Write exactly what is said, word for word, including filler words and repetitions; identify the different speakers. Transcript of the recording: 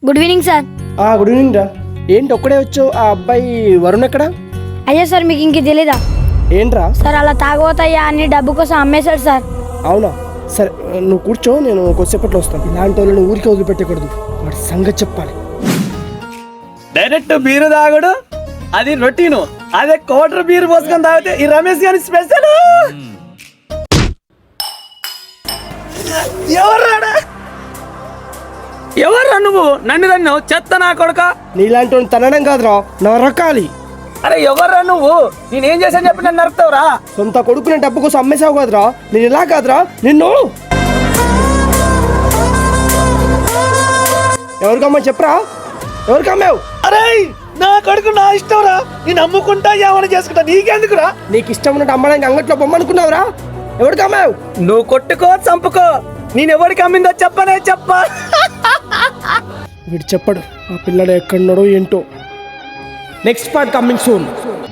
Speaker 1: Good evening sir.
Speaker 2: Good evening రా. ఏంటి ఒక్కడే వచ్చావు? ఆ అబ్బాయి వరుణ్ ఎక్కడ?
Speaker 1: అయ్యా సార్ మీకు ఇంక తెలీదా
Speaker 2: ఏంట్రా?
Speaker 1: సార్ అలా తాగబోతాయ్యా అన్ని డబ్బు కోసం అమ్మేశాడు సార్.
Speaker 2: అవునా? సరే నువ్వు కూర్చో, నేను కొద్దిసేపట్లో వస్తాను. ఇలాంటి వాళ్ళని ఊరికి వదిలిపెట్టకూడదు, వాడి సంగతి చెప్పాలి.
Speaker 3: డైరెక్ట్ బీరు తాగుడు అది రొటీను, అదే కోటర్ బీరు పోసుకొని తాగితే ఈ రమేష్ గారి స్పెషల్. ఎవర్రాడా ఎవర్రా నువ్వు? నన్ను నన్ను చెత్త నా కొడుక.
Speaker 2: నీలాంటి వాడిని తనడం కాదురా, నరకాలి.
Speaker 3: అరే ఎవర్రా నువ్వు? నేనేం చేశాను చెప్పి నన్ను నరుకుతావురా?
Speaker 2: సొంత కొడుకునే డబ్బు కోసం అమ్మేసావు కాదురా. నేను ఇలా కాదురా, నిన్ను ఎవరికమ్మా చెప్పరా? ఎవరికమ్మావు?
Speaker 3: అరే నా కొడుకు నా ఇష్టం రా, నేను అమ్ముకుంటా ఏమైనా చేసుకుంటా, నీకెందుకురా?
Speaker 2: నీకు ఇష్టం ఉన్నట్టు అమ్మడానికి అంగట్లో బొమ్మనుకున్నావురా? ఎవరికమ్మావు?
Speaker 3: నువ్వు కొట్టుకో చంపుకో, నేను ఎవరికి అమ్మిందో చెప్పనే చెప్ప.
Speaker 2: వీడు చెప్పడు ఆ పిల్లడు ఎక్కడున్నాడో ఏంటో. Next part coming soon.